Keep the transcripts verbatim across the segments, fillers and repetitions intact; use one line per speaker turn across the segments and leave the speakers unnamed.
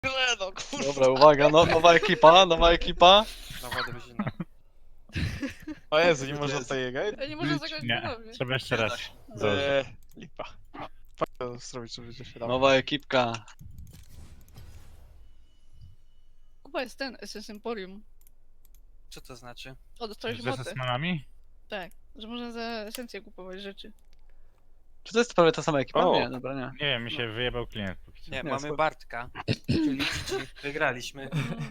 no kurwa.
Dobra, uwaga, no, nowa ekipa, nowa ekipa.
Nowa drużyna. O Jezu, nie można tutaj jechać?
Ja nie można zagrać
Nie,
ponownie.
trzeba jeszcze raz.
Eee, lipa. Fajnie zrobić, żeby się dało.
Nowa ekipka.
Kuba jest ten, Essence Emporium.
Co to znaczy?
O, dostałeś
Z
motę.
esesmanami?
Tak, że można za esencję kupować rzeczy.
Czy to jest prawie ta sama ekipa?
O.
Nie, dobra, nie.
Nie wiem, mi się wyjebał klient póki co.
Nie,
Nie,
mamy
spoko.
Bartka. Czyli G G. Wygraliśmy.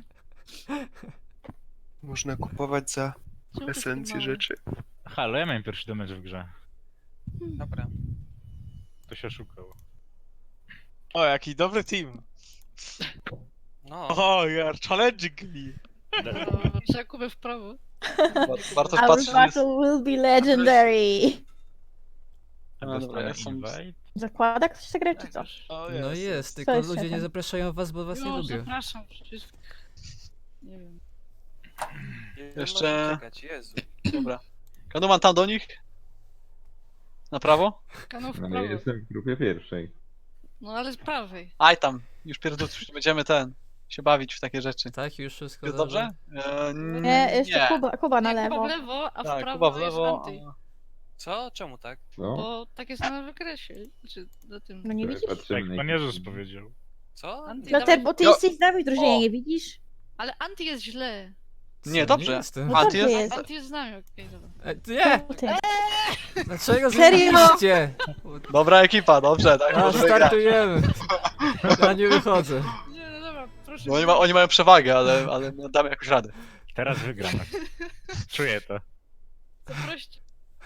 Można kupować za
Czemu to
esencję
takie małe?
rzeczy.
Halo, ja miałem pierwszy damage w grze.
Dobra.
To się oszukało.
O, jaki dobry team.
No.
O, you are challenging me.
No, trzeba Kubę w prawo.
Bar- Bartosz
Our
patrzy, że jest...
battle will be legendary.
A, dobra,
Dostanę
ja są...
invite?
Zakłada ktoś tę grę, czy co?
O,
No
jest.
jest,
Co
tylko
jest
ludzie nie
szefem?
zapraszają was, bo was nie
No,
lubią.
zapraszam, przecież... Nie wiem.
Ile
Jeszcze-
można czekać? Jezu.
Dobra. Kanuman tam do nich? Na prawo?
Kanał w
Ale
prawo.
ja jestem w grupie pierwszej.
No ale z prawej.
Aj tam, już pierdolę, będziemy ten, się bawić w takie rzeczy.
Tak, już wszystko
Jest dobrze? E,
Nie, jeszcze Kuba, Kuba na
Nie,
lewo.
Kuba w lewo, a w
Tak,
prawo
Kuba w
jest
lewo.
anty.
a-
Co? Czemu tak?
Co?
Bo tak jest na wykresie. Czy na tym.
No nie
Tutaj
widzisz?
patrzymy
Tak,
na
Pan
ekipę.
Jezus powiedział.
Co?
Anty,
Loter,
dawaj.
bo ty
Jo.
jesteś z nami w drużynie,
O.
nie widzisz?
Ale anty jest źle.
Co,
Nie, dobrze.
jestem.
No
Anty
dobrze
jest-
jest.
Anty jest z nami, okej, dobra.
E, nie!
Czemu ty?
Dlaczego
Serio?
zmieniliście?
Dobra ekipa, dobrze, tak
A,
możemy grać.
startujemy. Ja nie wychodzę.
Nie, no dobra, proszę.
No, oni, ma, oni mają przewagę, ale, ale damy jakoś radę.
Teraz wygramy. Czuję to.
Zaproście.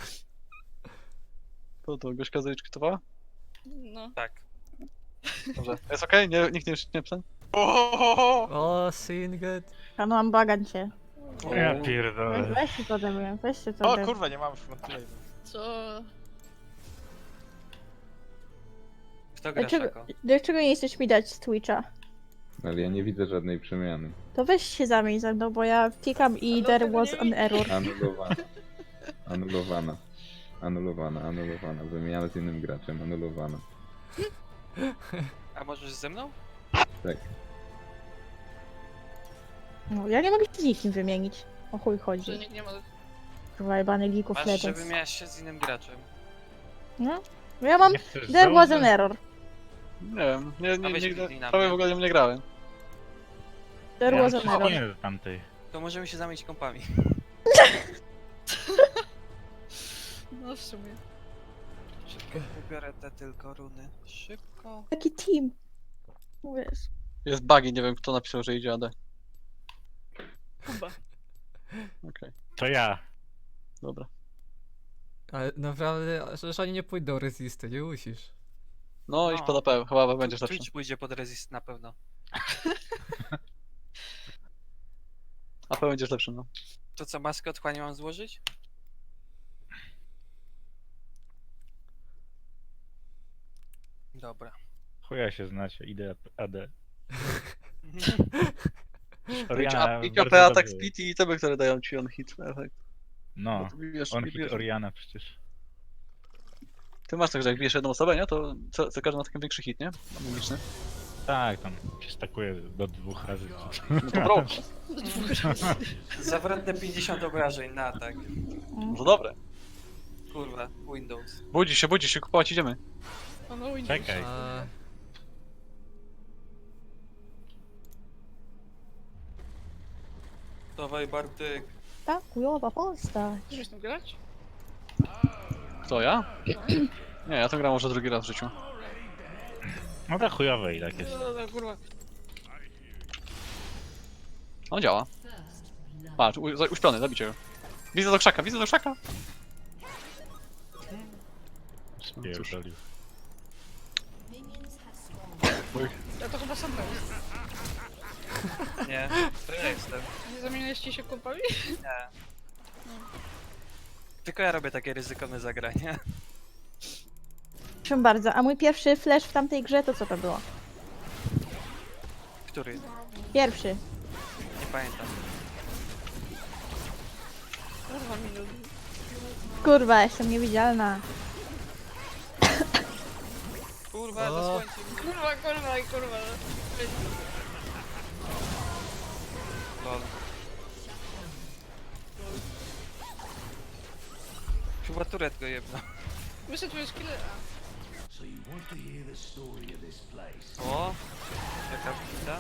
To, to Gośka zarejestrowała?
No.
Tak.
Dobrze. Jest okej? Nie, nikt nie nie psa?
O,
O, Singed.
Panu mam bagan cię.
Ja
Weź,
pierdolę.
weź się to ode mnie, weź się to
o
ode mnie.
kurwa, nie mamy frontline.
Co?
Kto gra
Dlaczego,
Szako?
dlaczego nie chcesz mi dać z Twitcha?
Ale ja nie widzę żadnej przemiany.
To weź się zamień ze mną, bo ja klikam i
Ale
there
tego
was
nie
an error.
Anulowana. Anulowana. Anulowana, anulowana. Wymiana z innym graczem, anulowana.
A możesz ze mną?
Tak.
No, ja nie mogę się z nikim wymienić. O chuj
Że
chodzi.
nikt nie ma...
Kurwa, jebany League of
Masz, że
Legends.
wymieniasz się z innym graczem.
No? Bo ja mam
Nie chcesz
there was an
założyć?
error.
Nie wiem, nie,
A
nie,
weź
nigdy,
kliknij na
prawie
mnie.
w ogóle nie grałem.
There
Ja
was an
się
error.
skinię do tamtej.
To możemy się zamienić kompami.
No w sumie.
Szybko wybiorę te tylko runy. Szybko.
Taki team. Wiesz.
Jest bugi, nie wiem kto napisał, że idzie A D.
Kuba.
Okej,
To ja.
dobra.
Ale naprawdę, że oni nie pójdą resisty, nie musisz.
No, idź
No.
pod A P, chyba będziesz lepszy.
Twitch pójdzie pod resist na pewno.
A P będziesz lepszy, no.
To co, maskę otchłani mam złożyć? Dobra.
Chuja się znacie, idę A D.
Idź
Oriana
A- Idź
bardzo
A P, atak,
dobrze.
speed i tebe, które dają ci on hit efekt.
No,
Ty bijesz-
on
bijesz-
hit Oriana przecież.
Ty masz tak, że jak bijesz jedną osobę, nie? To co, co każdy ma taki większy hit, nie? Magiczny.
Tak, tam się stakuje do dwóch razy.
No to bro,
Do dwóch razy.
Zawrotne pięćdziesiąt obrażeń na atak.
no dobre.
Kurwa, Windows.
Budzi się, budzi się, kupować idziemy.
O, no Windows.
Czekaj.
A,
Dawaj Bartek.
Ta chujowa postać.
Chcesz tam grać?
Kto, ja? Nie, ja to gram może drugi raz w życiu.
No tak chujowe i tak jest.
No, dobra, kurwa.
On działa. Patrz, u, za- uśpiony, zabicie go. Widzę do krzaka, widzę do krzaka.
Spierdolił.
Ja to chyba sam gram.
Nie, to ja jestem.
Nie zamienialiście się kupami?
Nie. Tylko ja robię takie ryzykowne zagrania.
Proszę bardzo, a mój pierwszy flash w tamtej grze to co to było?
Który?
Pierwszy.
Nie pamiętam.
Kurwa minut.
Kurwa, jestem niewidzialna.
Kurwa,
O.
zasłońcie mnie.
Kurwa, kurwa i kurwa.
turet go jebna.
Myślę, tu jest killer. A,
O! Jaka wbita?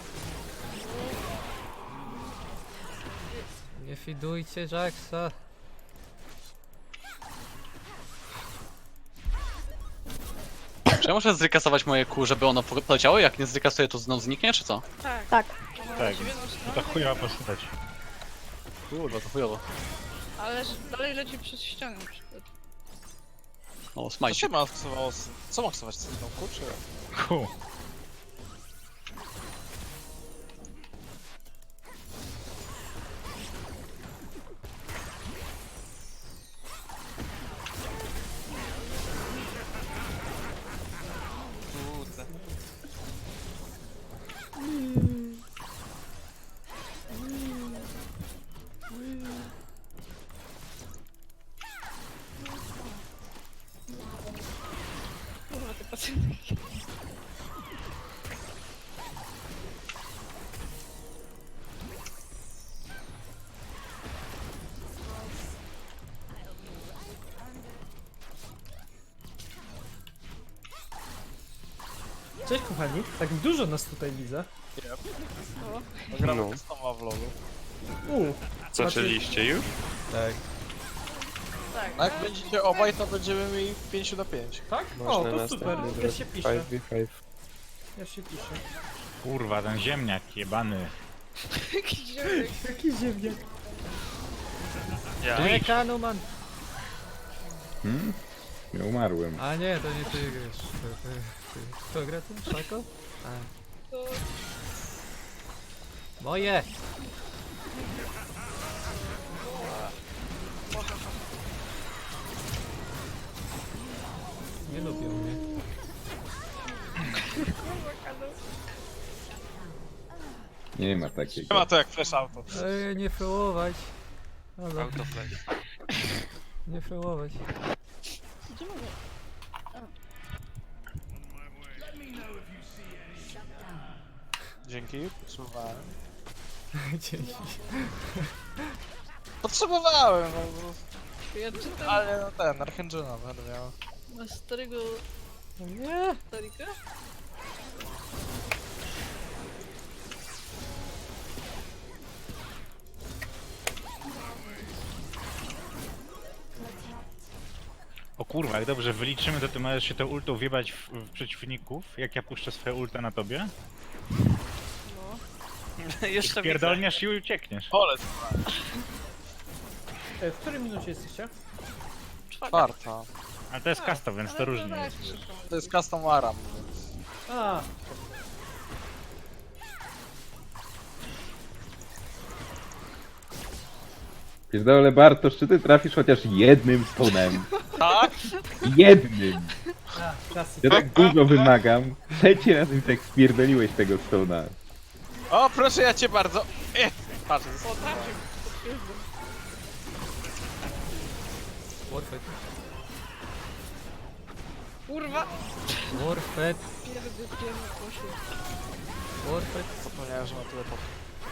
Nie fidujcie Jacksa.
Czy ja muszę zrykasować moje kół, żeby ono poleciało? Jak nie zrykasuję, to znowu zniknie, czy co?
tak.
Tak.
Tak,
W jedną
to
stronę,
chujowa postać.
Kurwa, to chujowo.
ale że dalej leci przez ścianę na przykład.
O,
Co
smajcie.
się ma aksowało? z- Co ma aksować z tym kurczę?
Ku.
Kurde.
Kurwa, te pacjenty.
Cześć kochani, tak dużo nas tutaj widzę.
No, gramy no. Customa w lolu.
Uuu,
Zaczęliście już?
Tak.
Tak.
A jak będziecie obaj, to będziemy mieli pięć na pięć.
tak? O, to super, już się pisze. Już się pisze.
Kurwa, ten ziemniak jebany.
Jaki ziomek.
Jaki ziemniak.
Ja.
Nie, Kanuman!
Hmm? Ja umarłem.
A nie, to nie ty grasz. To, to, ty. Kto gra tu? Szako? A.
To...
Moje! Nie lubią mnie.
Nie ma
Nie
takiego.
ma to jak flash auto.
Ej, nie fełować. Dobra,
Autoflash.
nie fełować.
Gdzie mogę?
Dzięki, potrzebowałem.
Dzięki.
Potrzebowałem, no, no,
Ja czytam
ale no ten, Archangela będę miał.
na starego
Nie!
Starika?
O kurwa, jak dobrze wyliczymy, to ty możesz się tą ultą wjebać w, w przeciwników, jak ja puszczę swoje ulta na tobie.
No.
Jeszcze widzę.
Pierdolniesz i uciekniesz.
Polec,
E, w której minucie jesteście?
czwarta.
Ale to jest custom, więc to
Ale
różnie
tak,
jest. wiesz.
szybko.
To jest custom Aram, więc...
A,
Pierdolę Bartosz, czy ty trafisz chociaż jednym stonem?
Tak?
Jednym!
a, klasyk.
Ja tak dużo wymagam. Trzeci raz mi tak spierdoliłeś tego stona.
O, proszę ja cię bardzo. Eh, patrz,
O, trafił. Potwierdzam.
Warfed.
Kurwa!
Warfed.
Pierdy, pierdy, poszły.
Warfed.
zapomniałem, że ma tyle pop.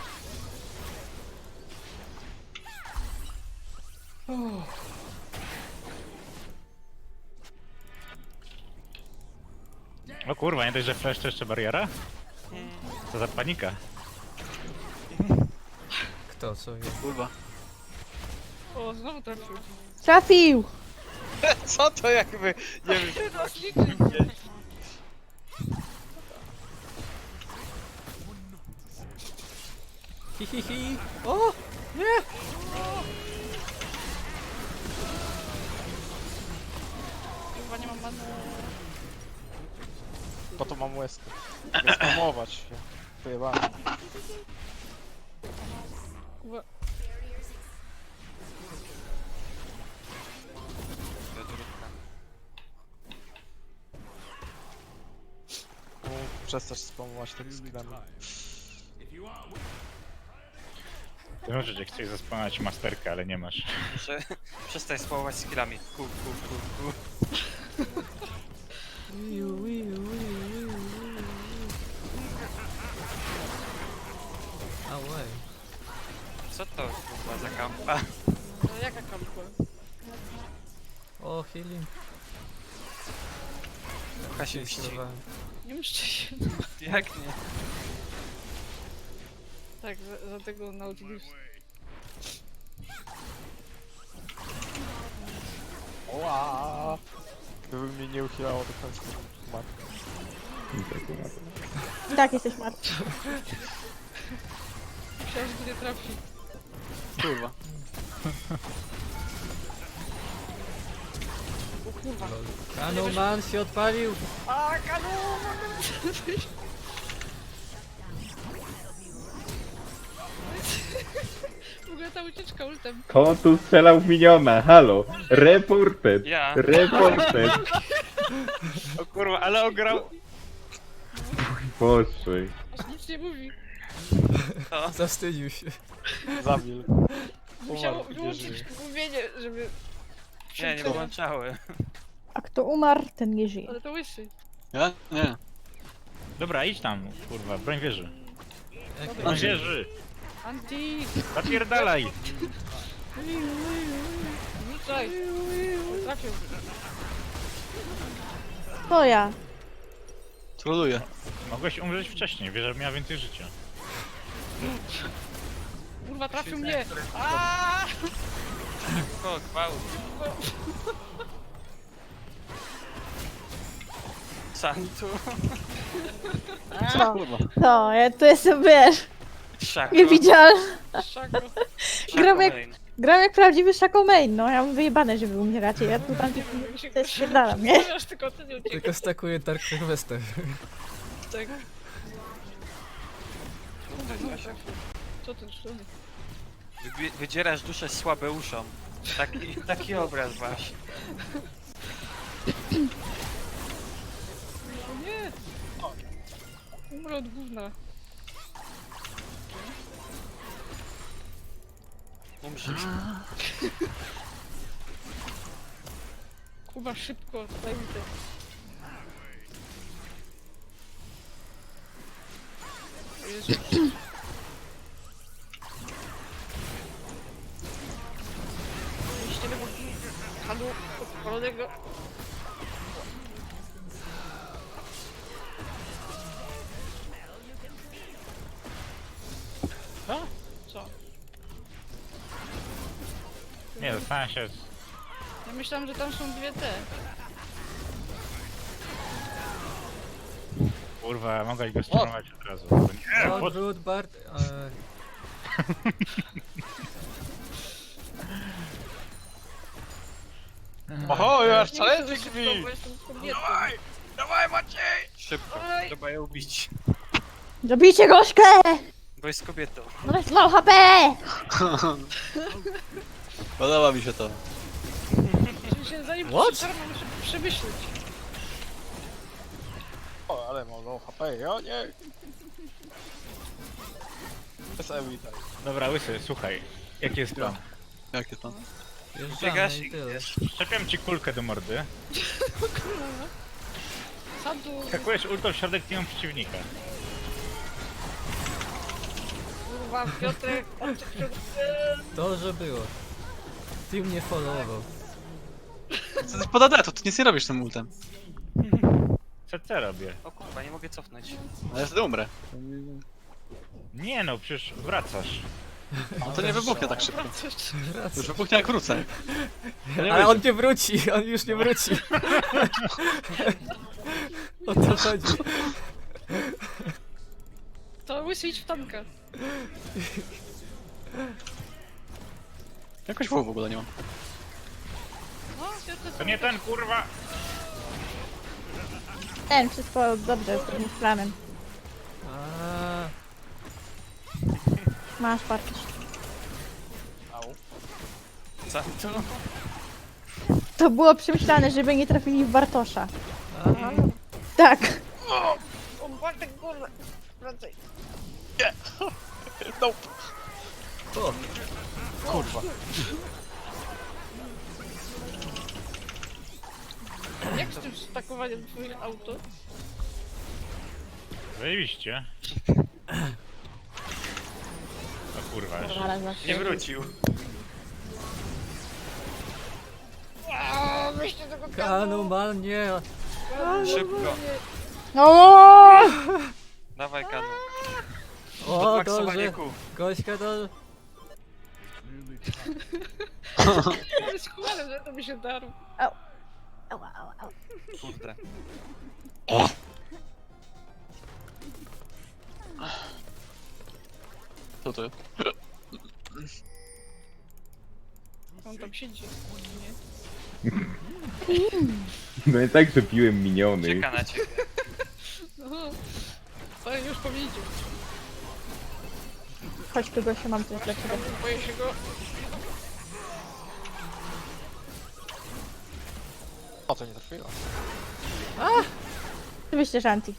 O kurwa, nie dość, że flash to jeszcze bariera? Co za panika.
Kto, co wie?
Kurwa.
O, znowu trafił.
Trafił!
Co to jakby, nie wiem,
Ty nas liczy.
Hi, hi, hi. O! Nie!
Kurwa, nie mam many.
po to mam łezkę. Nie spamować się. Pojebane.
Kurwa.
Mógł przestać spamować tymi skillami.
Ty możesz, jak chcesz zaspanać masterkę, ale nie masz.
Muszę przestań spałować skillami. Ku, ku, ku, ku.
Wiu, wiu, wiu, wiu, wiu. Ałej.
Co to kurwa za kampa?
No, jaka kampa?
O, healing.
Trochę się mści.
Zdecydowanie.
Nie mszcie się.
Jak nie?
Tak, za, za tego Nautilus.
Oła! Gdyby mnie nie uchylało do końca, to mat.
I tak umarł.
I tak jesteś martwy.
Myślałem, że tu nie trafi.
Kurwa.
O kurwa.
Kanuman się odpalił!
A, kanu! W ogóle ta ucieczka ultem.
Kto tu strzelał w miniona? Halo! Reported!
Ja.
Reported!
O kurwa, ale ograł!
Boże.
Aż nic nie mówi.
Zawstydził się.
Zamil.
Musiało
Umarł, nie
wyłączyć
żyje.
mówienie, żeby...
Nie, nie włączały.
A kto umarł, ten nie żyje.
Ale to łysy.
Ja? Nie.
Dobra, idź tam, kurwa, broń wieży.
Jak
Broń wieży!
Anti!
Zapierdalaj!
Rzucaj! Trafił.
To ja.
Troluję.
Mogłeś umrzeć wcześniej, wieża miała więcej życia.
Kurwa, trafił mnie!
O, gwałt. Santu.
Co?
Kurwa.
To, ja tu jestem, wiesz,
Szako.
niewidzialna.
Szako.
Gram jak,
Main.
gram jak prawdziwy Shaco Main, no. Ja mam wyjebane, żeby umieracie. Ja tu tam to jest świerdala, nie?
Wiesz, tylko ty nie uciekł.
Tylko stakuje Dark Harvester.
Tak. Co ty, co ty?
Wybi- Wydzierasz duszę słabeuszom. Taki, taki obraz masz.
O nie! Umrę od gówna.
Umrzysz.
Kuba, szybko, daj mi to. O Jezu. Jeśli tego hadu odpalonego.
Co?
Co?
Nie, dostałem się z...
Ja myślałam, że tam są dwie te.
Kurwa, mogłeś go stunować od razu. Nie, po...
Odwrót, Bart. E,
Oho, ja aż
Nie
challenge
myślę, że
drzwi!
szybko, bo jestem kobietą.
Dawaj Maciej!
Szybko.
Oj.
Trzeba ją ubić.
Zabijcie gośkę!
Bo jest kobietą.
No jest low H P!
Podoba mi się to.
Żeby się zanim
What?
przetarmam, muszę przemyśleć.
O, ale mam low H P, o nie! Bez Ewi daj.
Dobra, łysy, słuchaj. Jaki jest plan?
Jakie to?
Wjeżdżamy
Biegasz
i
i
tyle.
idziesz.
Szczepiam ci kulkę do mordy.
Sadu,
Skakujesz ultą w środek teamu przeciwnika.
kurwa, Piotrek, oczy
Dobrze było. Team nie followował.
Co ty pod A D, to ty nic nie robisz tym ultem.
Co co robię?
O kurwa, nie mogę cofnąć.
A ja wtedy umrę.
Nie no, przecież wracasz.
No to nie wybuchnie tak szybko.
wracasz.
Już wybuchnie jak wrócę. To nie
Ale
wyjdzie.
on nie wróci, on już nie wróci. O to chodzi.
To łysy idź w tanka.
Jakoś W w ogóle nie mam.
No, Piotrek,
To nie ten, kurwa!
Ten, wszystko dobrze z tym planem.
A,
Masz parkiś.
Au.
Santu.
To było przemyślane, żeby nie trafili w Bartosza.
a,
Tak.
O, Bartek, kurwa, wracaj.
Nope.
o,
Kurwa.
Jak z tym stakowaniem twoich auto?
Zajebiście. O kurwa, jeszcze.
Zaraz zawsze.
Nie wrócił.
Aaaa, weźcie tego kanu!
Kanu, mal, nie.
Szybko.
No!
Dawaj kanu.
O,
Podmaksowanie
dobrze.
kół.
Gośka to...
To jest chłodem, że to mi się darł.
Ała, ała, ała.
Kurde.
Co to?
On tam siedzi. Nie?
No i tak, że piłem miniony.
Czeka na ciebie.
No. To już powiedział.
Chodź tu, Gosiu, mam coś dla ciebie.
Boję się go.
O, to nie trafiło.
Oczywiście, że anti.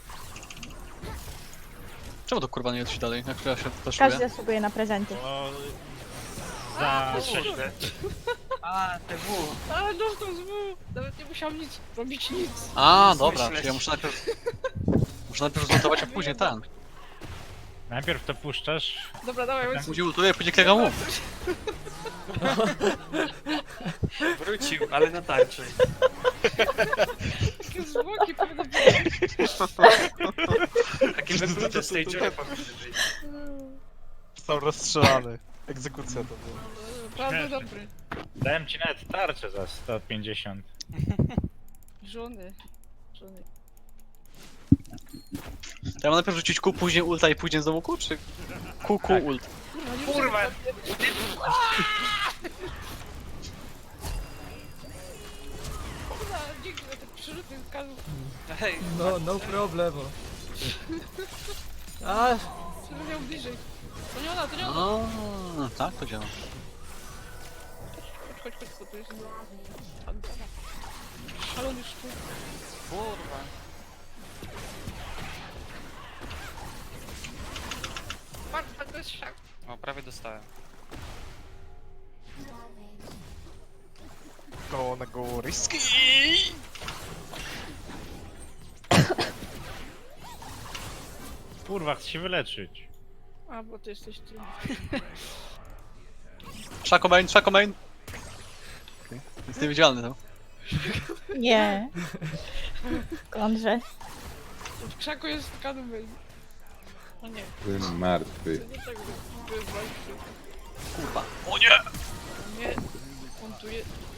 Czemu to kurwa nie leci dalej, jak ja się
Każdy
flashuję?
zasługuje na prezenty.
O, za
Kurde. A, te W.
Ale dostał z W. Nawet nie musiałam nic robić nic.
A, dobra,
Myśleć.
czyli ja muszę najpierw... Muszę najpierw zmontować, a później ten.
najpierw to puszczasz.
Dobra, dawaj, chodź.
Później ultuję, później klikam mu.
Wrócił, ale na tarczy.
Takie zwłoki powinny być.
Takie wyplute z tej dziury powinny być.
Został rozstrzelany. Egzekucja to była.
Bardzo dobry.
Dałem ci nawet tarczę za sto pięćdziesiąt.
Żony. Żony.
To ja mam najpierw rzucić Q, później ulta i później znowu Q, czy Q, Q, ult?
Kurwa, nie
Kurwa.
Kurwa, dzięki za te przerzuty z kazu.
Hej,
No, no problemu. A,
Żeby miał bliżej. To nie ona, to nie ona.
A, tak to działa.
Chodź, chodź, chodź, bo to jest... Szalony sztuk.
kurwa.
Patrz, patrz, to jest szak.
O, prawie dostałem.
Go na go risky!
Kurwa, chcę się wyleczyć.
A, bo ty jesteś ty.
Shaco main, Shaco main! Okay. Jest niewidzialny to.
Nie. Skądże?
W krzaku jest kanu main. O nie,
Byłem martwy.
to nie tak byłem walczy.
Kurwa. O nie!
O nie, montuje.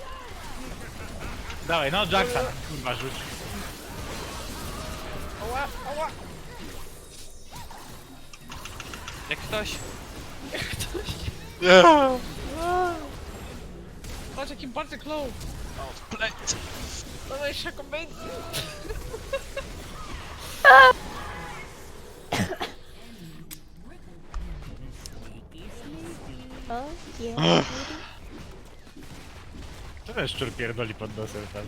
Dawaj, no Jackson, kurwa, rzuć.
Ała, ała.
Jak ktoś...
Nie!
Patrz, jaki Bartek low.
Plate!
Dawaj, Shaco main.
O, je.
To ten szczur pierdoli pod nosem tam.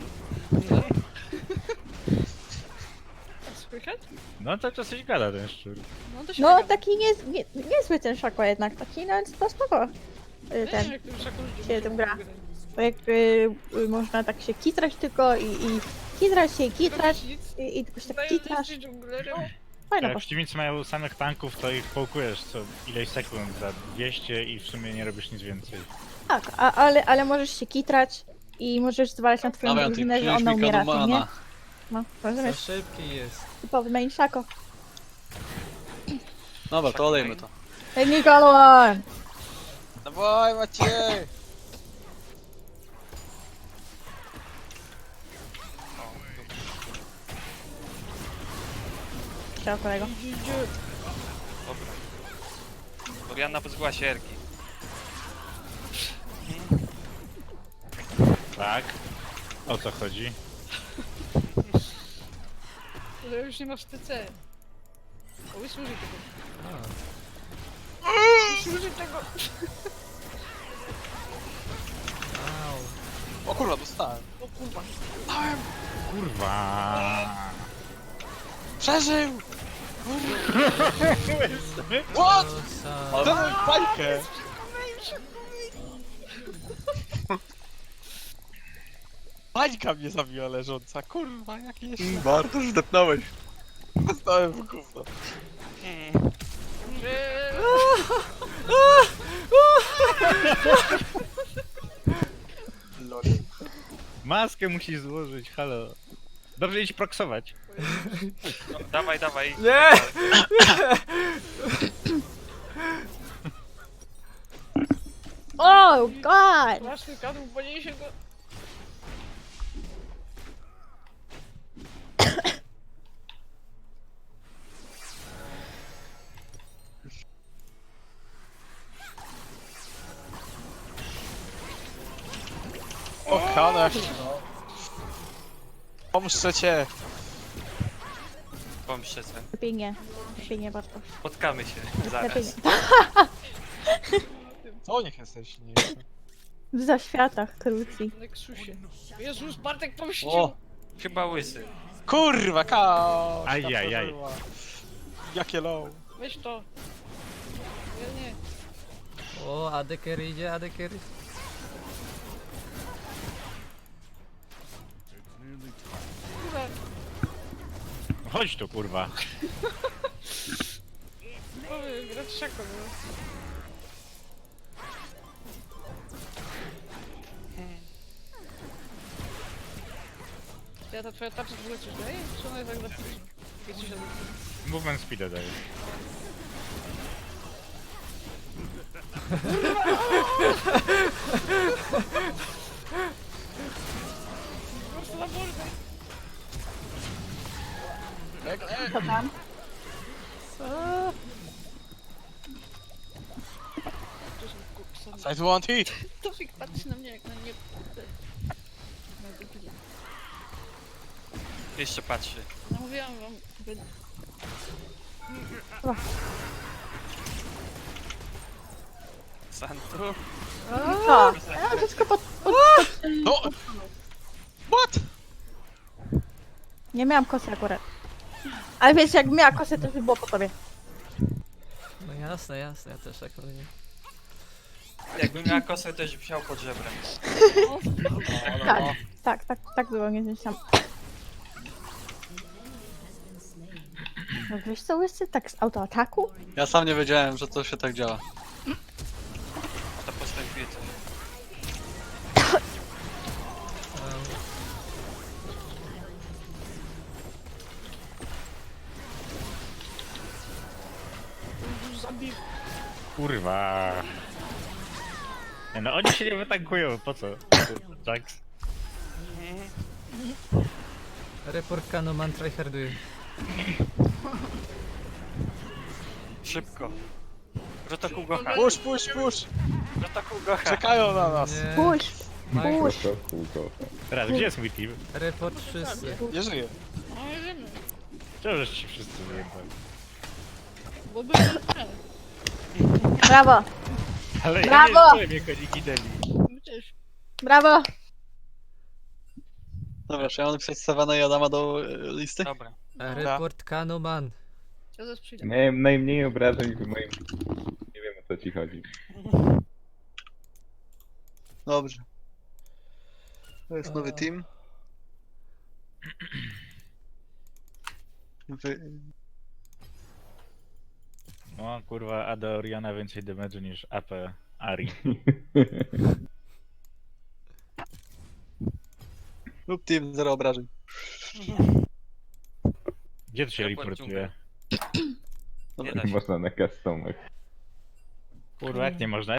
Słychać?
No to coś gada ten szczur.
No to się
No,
nagada.
taki nie, nie, niezły ten szako jednak, taki no, to spoko. Y,
Nie wiem,
Ten,
jak tym Shaco ludzie
się tym
mogą
gra.
grać.
bo jak y, y, można tak się kitrać tylko i, i kitrać się i kitrać
Robić nic.
i, i tylko się tak
Daję
kitrasz.
listy dżunglerem.
Fajna
Jak
postać.
przeciwnicy mają samych tanków, to ich połkujesz co ileś sekund za dwieście i w sumie nie robisz nic więcej.
Tak, a, ale, ale możesz się kitrać i możesz zwalać na twoją
Dawaj, ty
drużynę, że
przynieś
ona
mi
umiera, to nie?
Kanumana.
No,
za
rozumiesz?
szybki jest.
Typowy main szako.
Dobra, to olejmy to.
Hey, Nikolon!
Dawaj Maciej!
Ciao, kolego.
Dobra. Orianna pozbyła się Erki.
Tak? O co chodzi?
Że już nie masz T C. O, wysłuży tego.
A,
Wysłuży tego.
au.
O kurwa, dostałem.
O kurwa.
Kurwa.
Przeżył!
What?
Dałem bańkę! Bańka mnie zabiła leżąca, kurwa, jaki jest...
Bardzo zdepnąłeś.
Dostałem w gówno.
Mm.
Że...
Lol.
Maskę musisz złożyć, halo. Dobrze idź proksować.
No, dawaj, dawaj.
Nie!
Oh god!
Straszny kadłub, podniesie go.
O, Hanę! Pomszczę cię!
Pomszczę se.
Lepiej nie. Lepiej nie, Bartosz.
Spotkamy się
Lepiej
zaraz.
Co niech jesteś? Nie.
W zaświatach krucji.
Nexusie. Jezus, Bartek pomścił!
O!
Chyba łysy.
Kurwa, kaos!
Ajajaj.
Jakie low.
Weź to. Ja nie.
O, Adeker idzie, Adeker.
Kurwa.
Chodź tu, kurwa.
Mamy grać szako, no. Ja ta twoja tarcza w ogóle coś daje? Czy ona jest tak za późno? Jest ci się
Movement speeda daje.
po prostu na bolę.
Co tam?
Side one hit!
Tofik patrzy na mnie jak na nie... Na debilia.
Jeszcze patrzy.
No mówiłam wam, by...
Santu?
O! Ja wszystko pod... pod...
No! What?
Nie miałam kosy akurat. Ale wiesz, jak miała kosę, to by było po tobie.
No jasne, jasne, ja też tak powiem.
Jakbym miała kosę, też bym wsiał pod żebrem.
Tak, tak, tak, tak było, nie znam. No wiesz co, łysy? Tak z autoataku?
Ja sam nie wiedziałem, że to się tak działa.
To postępuje coś.
Kurwa. Nie, no oni się nie wytankują, po co? Jax.
Report Kanoman tryharduje.
Szybko. Protokół Gocha.
Push, push, push!
Protokół Gocha.
Czekają na nas!
Nie.
Push! Push!
Protokół go.
Teraz, gdzie jest mój team?
Report wszyscy.
Nie żyję.
No nie wiemy.
Czemu żeś ci wszyscy wyjebali?
Bo były ten.
Brawo!
Ale ja
Brawo!
nie czuję mnie koniki deli.
My też.
Brawo!
Dobra, czy ja mam napisać Savana i Adama do y, listy?
Dobra.
Report Kanoman.
Ja zaraz przyjdę.
Miałem najmniej obrażeń w moim... Nie wiem, o co ci chodzi.
Dobrze. To jest nowy team. Wy...
No kurwa, A D Oriana więcej damage'u niż A P Ari.
Lub team, zero obrażeń.
Gdzie to się
Ja
reportuje?
Nie da się.
Można na customach.
Kurwa, jak nie można?